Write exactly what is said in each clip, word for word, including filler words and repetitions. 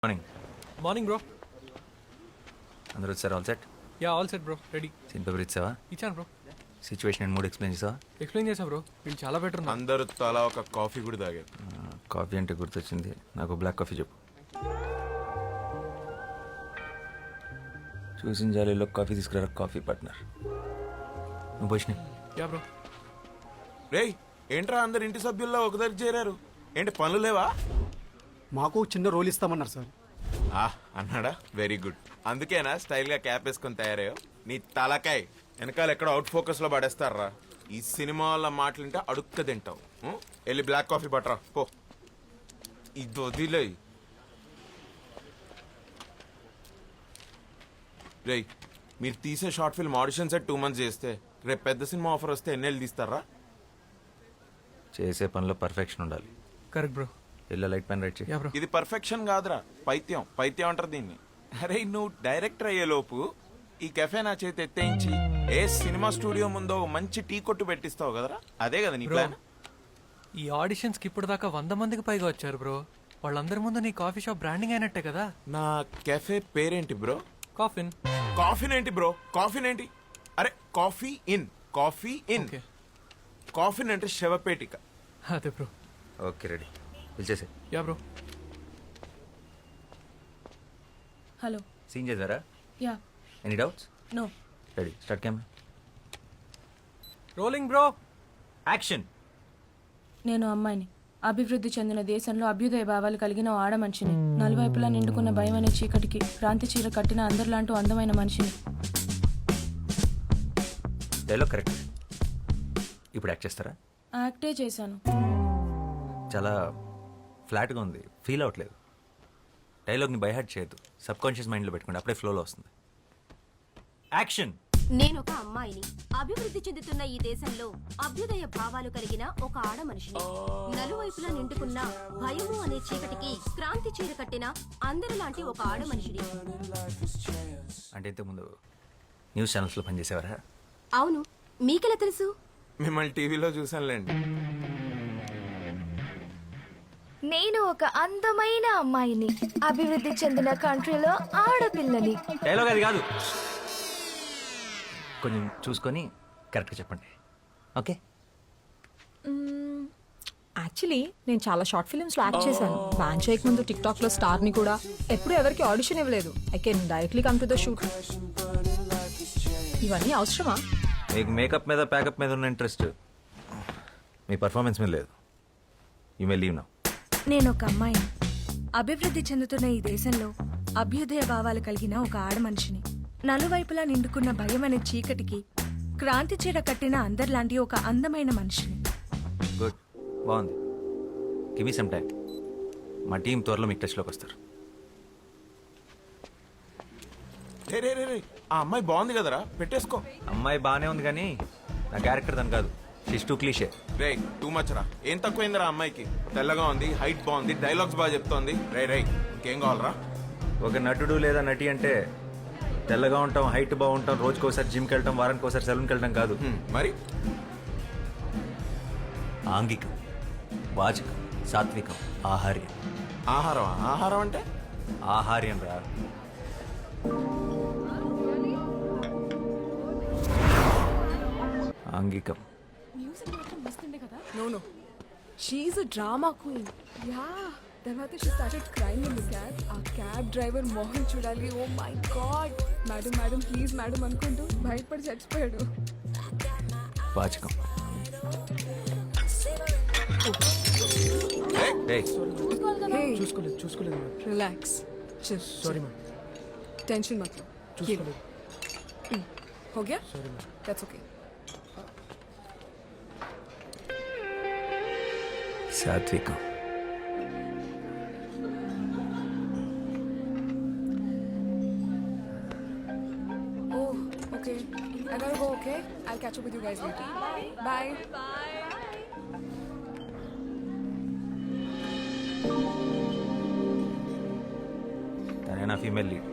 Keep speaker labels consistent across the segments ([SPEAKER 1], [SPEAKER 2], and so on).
[SPEAKER 1] Morning
[SPEAKER 2] morning bro.
[SPEAKER 1] అందరూ వచ్చారు. All set?
[SPEAKER 2] Yeah all set bro, ready.
[SPEAKER 1] Scene paper ఇచ్చావా?
[SPEAKER 2] ఇచ్చాను బ్రో.
[SPEAKER 1] సిచ్యువేషన్ అండ్ మూడ్ ఎక్స్ప్లెయిన్ చేసావా?
[SPEAKER 2] ఎక్స్ప్లెయిన్ చేసా బ్రో, వీళ్ళు చాలా బెటర్ ఉన్నారు.
[SPEAKER 3] అందరూ తలా ఒక కాఫీ కూడా తాగారు.
[SPEAKER 1] కాఫీ అంటే గుర్తొచ్చింది, నాకు బ్లాక్ కాఫీ చెప్పు. చూసిన జాలీలో కాఫీ తీసుకురా కాఫీ పార్ట్నర్. నువ్వు పోషిని.
[SPEAKER 2] Yeah bro.
[SPEAKER 3] రేయ్ ఏంట్రా అందరు ఇంటి సభ్యుల్లో ఒక దగ్గర చేరారు, ఏంటి పనులు లేవా?
[SPEAKER 4] మాకు చిన్న రోల్ ఇస్తామన్నారు సార్.
[SPEAKER 3] ఆ అన్నాడా, వెరీ గుడ్. అందుకేనా స్టైల్ గా క్యాప్ వేసుకొని తయారయ్యో? నీ తలకాయ్ వెనకాల ఎక్కడ అవుట్ ఫోకస్ లో పడేస్తారా? ఈ సినిమా వాళ్ళ మాటలుంటే అడుక్క తింటావు. ఉం? వెళ్ళి బ్లాక్ కాఫీ పట్టరా పో. ఇది వదిలే. రేయ్ మీరు తీసే short film audition set two months చేస్తే రేపు పెద్ద సినిమా ఆఫర్ వస్తే ఎన్నెళ్ళు తీస్తారా?
[SPEAKER 1] చేసే పనిలో పర్ఫెక్షన్ ఉండాలి.
[SPEAKER 2] Correct bro.
[SPEAKER 1] Yellow light pen write చేయి.
[SPEAKER 2] Yeah bro.
[SPEAKER 3] ఇది పర్ఫెక్షన్ కాదురా, పైత్యం. పైత్యం అంటారు దీన్ని. అరే నువ్వు డైరెక్టర్ అయ్యే లోపు ఈ కెఫే నా చేతి ఎత్తేయించి ఏ సినిమా స్టూడియో ముందో మంచి టీ కొట్టు పెట్టిస్తావు కదరా, అదే కదా నీ ప్లాన్?
[SPEAKER 2] ఈ ఆడిషన్స్ కి ఇప్పుడు దాకా వంద మందికి పైగా వచ్చారు బ్రో. వాళ్ళందరి ముందు నీ కాఫీ షాప్ బ్రాండింగ్ అయినట్టే కదా.
[SPEAKER 3] నా కెఫే పేరేంటి బ్రో?
[SPEAKER 2] కాఫిన్.
[SPEAKER 3] కాఫీన్ ఏంటి బ్రో? కాఫీన్ ఏంటి? అరే coffee in, coffee in.
[SPEAKER 2] Okay.
[SPEAKER 3] Coffin అంటే శవపేటిక.
[SPEAKER 2] అదే బ్రో.
[SPEAKER 1] ఓకే రెడీ, పిలిచేసే.
[SPEAKER 2] Yeah bro.
[SPEAKER 5] హలో.
[SPEAKER 1] సీన్ చేసారా?
[SPEAKER 5] Yeah.
[SPEAKER 1] Any doubts?
[SPEAKER 5] No.
[SPEAKER 1] Ready, start camera.
[SPEAKER 2] Rolling bro.
[SPEAKER 1] Action.
[SPEAKER 5] నేను అమ్మాయిని, అభివృద్ధి చెందిన దేశంలో అభ్యుదయ భావాలు కలిగిన ఓ ఆడ మనిషిని, నలువైపులా నిండుకున్న భయం అనే చీకటికి క్రాంతి చీర కట్టిన అందరిలాంటి అందమైన మనిషిని.
[SPEAKER 1] Dialogue correct. ఇప్పుడు యాక్ట్ చేస్తారా?
[SPEAKER 5] యాక్టే చేశాను.
[SPEAKER 1] చాలా ఫ్లాట్గా ఉంది, ఫీల్ అవ్వట్లేదు. డైలాగ్ని బైహార్ట్ చేయొద్దు, సబ్ కాన్షియస్ మైండ్లో పెట్టుకోండి, అప్పుడే ఫ్లోలో వస్తుంది. యాక్షన్.
[SPEAKER 6] నేను ఒక అమ్మాయిని, అభివృద్ధి చెందుతున్న ఈ దేశంలో అభ్యుదయ భావాలు కలిగిన ఒక ఆడ మనిషిని, నలువైపులా నిండుకున్న భయము అనే చీకటికి క్రాంతి చీర కట్టిన అందరిలాంటి ఒక ఆడ మనిషిని.
[SPEAKER 1] అంటే ఇంతకుముందు న్యూస్ ఛానల్స్లో పనిచేసేవారా?
[SPEAKER 6] అవును, మీకెలా తెలుసు?
[SPEAKER 3] మిమ్మల్ని టీవీలో చూసానులేండి.
[SPEAKER 7] నేను ఒక అందమైన అమ్మాయిని, అభివృద్ధి చెందిన కంట్రీలో ఆడపిల్లని.
[SPEAKER 1] డైలాగ్ అది కాదు, కొంచెం చూసుకొని కరెక్ట్గా చెప్పండి. ఓకే.
[SPEAKER 8] యాక్చువల్లీ నేను చాలా షార్ట్ ఫిల్మ్స్లో యాక్ట్ చేశాను. బ్యాన్ చేయక ముందు టిక్ టాక్లో స్టార్ని కూడా. ఎప్పుడు ఎవరికి ఆడిషన్ ఇవ్వలేదు. I can directly come to the shoot. ఇవన్నీ అవసరమా?
[SPEAKER 1] మీకు మేకప్ మీద ప్యాకప్ మీద ఉన్న ఇంట్రెస్ట్ మీ పర్ఫార్మెన్స్ మీద లేదు. You may leave now.
[SPEAKER 7] నేను ఒక అమ్మాయిని, అభివృద్ధి చెందుతున్న ఈ దేశంలో అభ్యుదయ భావాలు కలిగిన ఒక ఆడ మనిషిని, నలువైపులా నిండుకున్న భయం అనే చీకటికి క్రాంతి చీర కట్టిన అందరిలాంటి ఒక అందమైన మనిషిని.
[SPEAKER 1] గుడ్, బాగుంది. Give me some time. మా టీం త్వరలో మీకు టచ్లోకి వస్తారు.
[SPEAKER 3] రే రే రే రే ఆ అమ్మాయి బాగుంది కదరా, పెట్టేసుకో.
[SPEAKER 1] అమ్మాయి బాగానే ఉంది కానీ నా క్యారెక్టర్ దాని కాదు. She's too cliche.
[SPEAKER 3] రే టూ మచ్ రా. ఏం తక్కువైందిరా అమ్మాయికి? తెల్లగా ఉంది, హైట్ బాగుంది, డైలాగ్స్ బాగా చెప్తోంది. రే రే ఇంకేం కావాలరా?
[SPEAKER 1] ఒక నటుడు లేదా నటి అంటే తెల్లగా ఉంటాం, హైట్ బాగుంటాం, రోజుకి ఒకసారి జిమ్కి వెళ్ళటం, వారానికి ఒకసారి సెలూన్కి వెళ్ళటం కాదు.
[SPEAKER 3] హ్మ్, మరి
[SPEAKER 1] ఆంగికం, వాచకం, సాత్వికం, ఆహార్యం.
[SPEAKER 3] ఆహారం? ఆహారం అంటే
[SPEAKER 1] ఆహార్యం రా. ఆంగికం.
[SPEAKER 8] No no, she's a drama queen. Yeah, తర్వాత she started crime in the cab. ఆ క్యాబ్ డ్రైవర్ మోహన్ చూడాలి. Oh my God, madam madam please madam అనుకుంటూ భయపడి చచ్చిపోయాడు.
[SPEAKER 1] వాచకం.
[SPEAKER 2] చూసుకోలేదు చూసుకోలేదు.
[SPEAKER 8] రిలాక్స్.
[SPEAKER 2] Sorry ma'am.
[SPEAKER 8] टेंशन मत लो.
[SPEAKER 2] చూసుకోలేదు.
[SPEAKER 8] हो गया?
[SPEAKER 2] Sorry ma'am.
[SPEAKER 8] That's okay.
[SPEAKER 1] సాత్వికం.
[SPEAKER 8] Oh, okay. I gotta go, okay? I'll catch up with you guys later. Bye. Bye.
[SPEAKER 1] తనే నా female lead.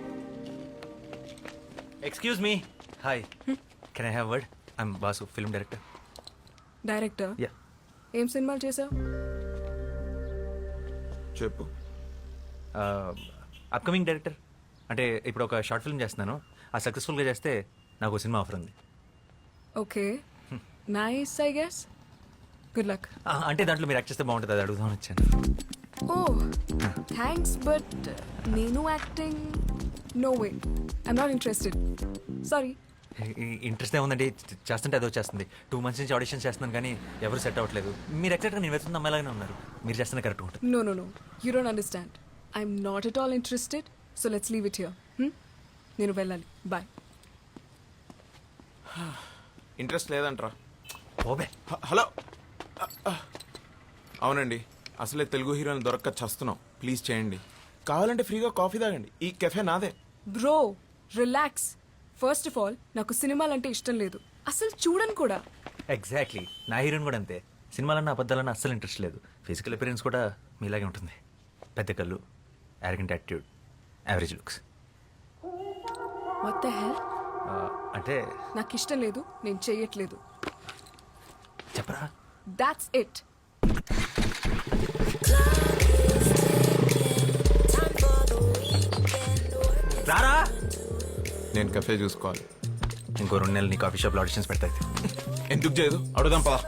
[SPEAKER 1] Excuse me. Hi, can I have word? I'm Basu, film director.
[SPEAKER 8] Director?
[SPEAKER 1] Yeah.
[SPEAKER 8] ఏం సినిమాలు చేసావు?
[SPEAKER 3] చెప్పు.
[SPEAKER 1] Upcoming director అంటే ఇప్పుడు ఒక short film చేస్తున్నాను. ఆ సక్సెస్ఫుల్గా చేస్తే నాకు ఒక సినిమా ఆఫర్ ఉంది.
[SPEAKER 8] Okay nice I guess good luck.
[SPEAKER 1] ఆ, అంటే దాంట్లో మీరు యాక్ట్ చేస్తే బాగుంటుంది, అది అడుగుదామని వచ్చాను.
[SPEAKER 8] ఓ థ్యాంక్స్ బట్ నేను acting no way I'm not interested sorry.
[SPEAKER 1] Interest ఏముందండి, చేస్తుంటే అదో చేస్తుంది. టూ మంత్స్ నుంచి ఆడిషన్ చేస్తున్నాను కానీ ఎవరు సెట్ అవ్వట్లేదు. మీరు ఎక్సెక్ట్గా నేను వెతున్న అమ్మాయిలాగానే ఉన్నారు. మీరు చేస్తున్న కరెక్ట్ ఉంటుంది.
[SPEAKER 8] No no no you don't understand I'm not at all interested so let's leave it here. నేను వెళ్ళాలి బాయ్.
[SPEAKER 3] ఇంట్రెస్ట్ లేదంట్రా.
[SPEAKER 1] ఓబే
[SPEAKER 3] హ- హలో అవునండి, అసలే తెలుగు హీరోని దొరక్క చస్తున్నాం. ప్లీజ్ చేయండి. కావాలంటే ఫ్రీగా కాఫీ తాగండి. ఈ కెఫే నాదే.
[SPEAKER 8] Bro relax. First of all నాకు సినిమాలంటే ఇష్టం లేదు, అసలు చూడను కూడా.
[SPEAKER 1] ఎగ్జాక్ట్లీ, నా హీరోయిన్ కూడా అంతే. సినిమాలన్నా అబద్ధాలన్నా అస్సలు ఇంట్రెస్ట్ లేదు. ఫిజికల్ అపిరెన్స్ కూడా మీలాగే ఉంటుంది. పెద్ద కళ్ళు, arrogant attitude, average looks.
[SPEAKER 8] What the hell?
[SPEAKER 1] అంటే
[SPEAKER 8] నాకు ఇష్టం లేదు, నేను చెయ్యట్లేదు.
[SPEAKER 1] చెప్పరా?
[SPEAKER 8] That's it.
[SPEAKER 1] రారా,
[SPEAKER 3] నేను కెఫే చూసుకోవాలి.
[SPEAKER 1] ఇంకో రెండు నెలలు నీ కాఫీ షాప్లో ఆడిషన్స్ పెడతాయి.
[SPEAKER 3] ఎందుకు చేయదు? అడుగుదాం పదా.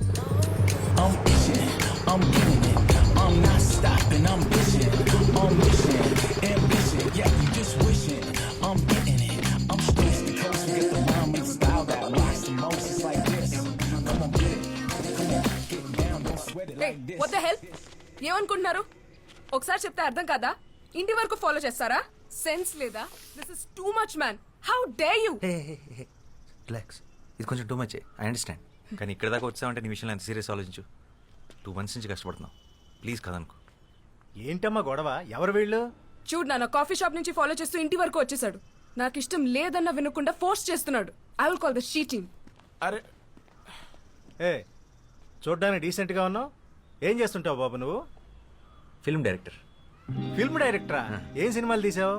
[SPEAKER 8] What the hell? ఏమనుకుంటున్నారు? ఒకసారి చెప్తే అర్థం కాదా? ఇంటి వరకు ఫాలో చేస్తారా? సెన్స్ లేదా? This is too much man. How dare you?
[SPEAKER 1] Relax, ఇది కొంచెం టూ మచ్. ఐ అండర్స్టాండ్, కానీ ఇక్కడ దాకా వచ్చామంటే నీ విషయంలో ఎంత సీరియస్ ఆలోచించు. టూ మంత్స్ నుంచి కష్టపడుతున్నావు. ప్లీజ్ కదనుకో.
[SPEAKER 9] ఏంటమ్మా గొడవ? ఎవరు వీళ్ళు?
[SPEAKER 8] చూడు నాన్న, కాఫీ షాప్ నుంచి ఫాలో చేస్తూ ఇంటి వరకు వచ్చేసాడు. నాకు ఇష్టం లేదన్న వినకుండా ఫోర్స్ చేస్తున్నాడు. I will call the she team.
[SPEAKER 3] అరే
[SPEAKER 9] ఏ చూడ్డానికి డీసెంట్గా ఉన్నావు. ఏం చేస్తుంటావు బాబు నువ్వు?
[SPEAKER 1] Film director.
[SPEAKER 9] ఫిల్మ్ డైరెక్టరా? ఏం సినిమాలు తీసావు?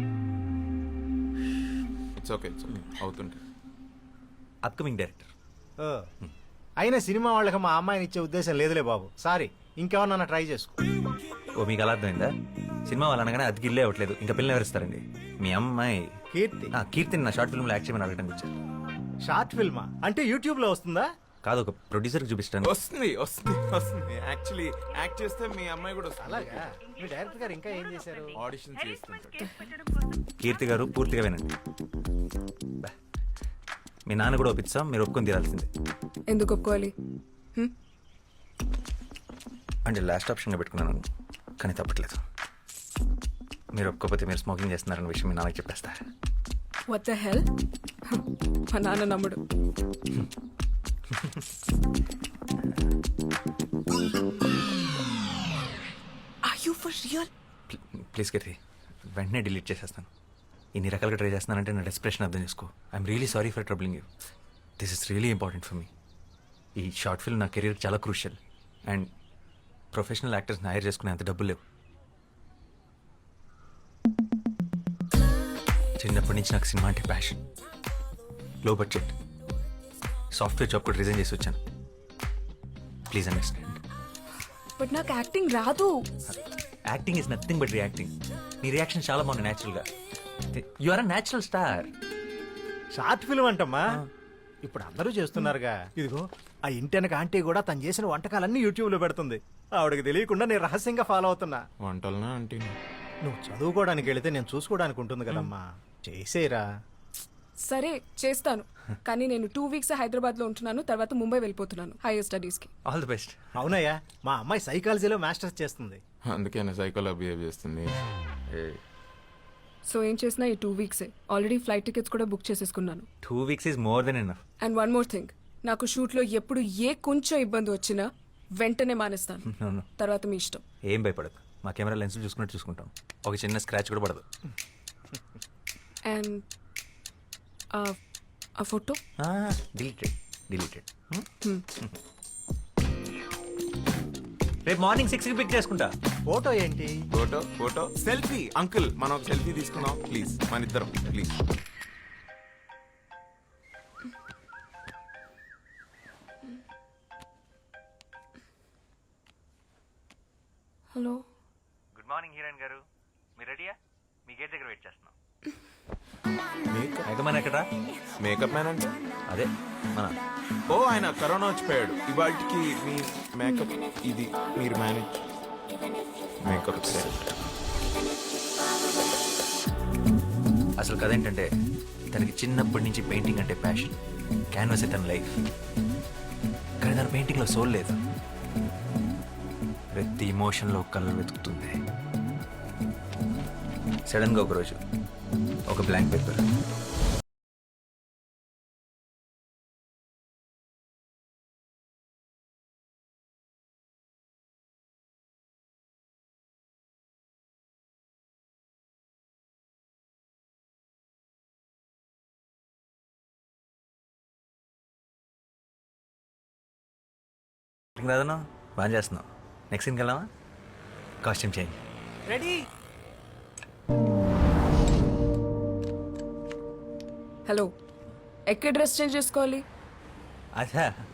[SPEAKER 3] ఇట్స్ ఓకే, ఇట్స్ ఓకే, అవుతుంటే.
[SPEAKER 1] Upcoming director.
[SPEAKER 9] ఓ, అయినా సినిమా వాళ్ళకి మా అమ్మాయిని ఇచ్చే ఉద్దేశం లేదులే బాబు. సారీ, ఇంకేమన్నా ట్రై చేసుకో.
[SPEAKER 1] ఓ, మీకు అలా అర్థమైందా? సినిమా వాళ్ళు అనగానే అది గిల్లే అవ్వట్లేదు, ఇంకా పిల్లలు ఎవరిస్తారండి? మీ అమ్మాయి
[SPEAKER 9] కీర్తి.
[SPEAKER 1] ఆ, కీర్తిని నా షార్ట్ ఫిల్మ్లో యాక్ట్ చేయమని అడగడానికి వచ్చారు.
[SPEAKER 9] షార్ట్ ఫిల్మా? అంటే యూట్యూబ్లో వస్తుందా?
[SPEAKER 1] కాదు, ఒక ప్రొడ్యూసర్కి చూపిస్తాను.
[SPEAKER 3] వస్తుంది వస్తుంది వస్తుంది. యాక్చువల్లీ యాక్ట్ చేస్తే మీ అమ్మాయి కూడా వస్తుంది.
[SPEAKER 9] అలాగా? మీ డైరెక్టర్ గారు ఇంకా ఏం చేశారు?
[SPEAKER 3] ఆడిషన్ చేస్తుంటాడు.
[SPEAKER 1] కీర్తి గారు పూర్తిగా వినండి. బా. మీ నాన్న కూడా ఒప్పిస్తాం, మీరు ఒప్పుకొని తీరాల్సిందే.
[SPEAKER 8] ఎందుకు ఒప్పుకోవాలి?
[SPEAKER 1] అంటే లాస్ట్ ఆప్షన్గా పెట్టుకున్నాను, కానీ తప్పట్లేదు. మీరు ఒప్పుకోకపోతే మీరు స్మోకింగ్ చేస్తున్నారన్న విషయం మీ నాన్నకి చెప్పేస్తారు.
[SPEAKER 8] What the hell? మా నాన్న నమ్ముడు. Are you for real?
[SPEAKER 1] Please Keerthi, వెంటనే డిలీట్ చేసేస్తాను. ఇన్ని రకాలుగా ట్రై చేస్తున్నానంటే నా డెస్ప్రెషన్ అర్థం చేసుకో. I'm really sorry for troubling you. This is really important for me. ఈ షార్ట్ ఫిల్మ్ నా కెరీర్ చాలా క్రూషియల్. అండ్ ప్రొఫెషనల్ యాక్టర్స్ని హైర్ చేసుకునే అంత డబ్బులు లేవు. చిన్నప్పటి నుంచి నాకు సినిమా అంటే passion. Low budget software job కూడా రిజైన్ చేసి వచ్చాను. Please understand.
[SPEAKER 8] బట్ నాకు యాక్టింగ్ రాదు.
[SPEAKER 1] Acting is nothing but reacting. నీ రియాక్షన్ చాలా బాగుంది న్యాచురల్గా. You are a natural star.
[SPEAKER 9] Short film అంటమ్మా, ఇప్పుడు అందరూ చేస్తున్నారుగా. ఇదిగో ఆ ఇంటెనక ఆంటీ కూడా తను చేసిన వంటకాలన్నీ యూట్యూబ్లో పెడుతుంది. ఆవిడకి తెలియకుండా నేను రహస్యంగా ఫాలో అవుతున్నా.
[SPEAKER 3] వంటలనా అంటే
[SPEAKER 9] నువ్వు చదువుకోవడానికి వెళితే నేను చూసుకోవడానికి ఉంటుంది కదమ్మా. చేసేరా.
[SPEAKER 8] సరే చేస్తాను, కానీ నేను టూ వీక్స్ హైదరాబాద్ లో ఉంటున్నాను. తర్వాత ముంబై వెళ్ళిపోతున్నాను హైయర్ స్టడీస్ కి.
[SPEAKER 1] All the best.
[SPEAKER 9] అవునయ్యా, మా అమ్మాయి సైకాలజీలో మాస్టర్స్ చేస్తుంది.
[SPEAKER 3] అందుకే సైకోలో బిహేవ్ చేస్తుంది.
[SPEAKER 8] సో ఏం చేసినా ఈ టూ వీక్సే. ఆల్రెడీ ఫ్లైట్ టికెట్స్ కూడా బుక్ చేసేసుకున్నాను.
[SPEAKER 1] Two weeks is more than enough.
[SPEAKER 8] And one more thing, నాకు షూట్ లో ఎప్పుడు ఏ కొంచెం ఇబ్బంది వచ్చినా వెంటనే మానేస్తాను.
[SPEAKER 1] No, no.
[SPEAKER 8] తర్వాత మీ ఇష్టం.
[SPEAKER 1] ఏం భయపడదు, మా కెమెరా లెన్స్ చూసుకున్నట్టు చూసుకుంటాం. ఒక చిన్న స్క్రాచ్ కూడా పడదు.
[SPEAKER 8] అండ్ ఆ ఫోటో
[SPEAKER 1] డిలీటెడ్ డిలీటెడ్. రేపు మార్నింగ్ సిక్స్కి పిక్ చేసుకుంటా.
[SPEAKER 9] ఫోటో ఏంటి?
[SPEAKER 3] Photo photo selfie. అంకుల్ మనం ఒక సెల్ఫీ తీసుకుందాం ప్లీజ్, మన ఇద్దరం please.
[SPEAKER 8] Hello.
[SPEAKER 1] Good morning heroine గారు. మీరు రెడీయా మీ గేట్ దగ్గర వెయిట్ చేస్తున్నాం
[SPEAKER 3] మేకప్
[SPEAKER 1] ఎగమని ఎక్కడా
[SPEAKER 3] మేకప్ మ్యాన్ అంటే
[SPEAKER 1] అదే మన
[SPEAKER 3] ఓ ఆయన కరోనా వచ్చిపోయాడు ఇవాటికి మీ మేకప్ ఇది మీరు మేనేజ్ మేకప్
[SPEAKER 1] అసలు కథ ఏంటంటే తనకి చిన్నప్పటి నుంచి పెయింటింగ్ అంటే ప్యాషన్ క్యాన్వాస్ తన లైఫ్ కానీ తన పెయింటింగ్లో సోల్ లేదు ప్రతి ఇమోషన్లో కలర్ వెతుకుతుంది సడన్గా ఒకరోజు ఒక బ్లాంక్ పేపర్ రాదన్నా బాగా చేస్తున్నావు నెక్స్ట్ సీన్కి వెళ్దామా కాస్ట్యూమ్ చేంజ్
[SPEAKER 2] రెడీ
[SPEAKER 8] హలో ఎక్కడ డ్రెస్ చేంజ్ చేసుకోవాలి
[SPEAKER 1] అచ్చా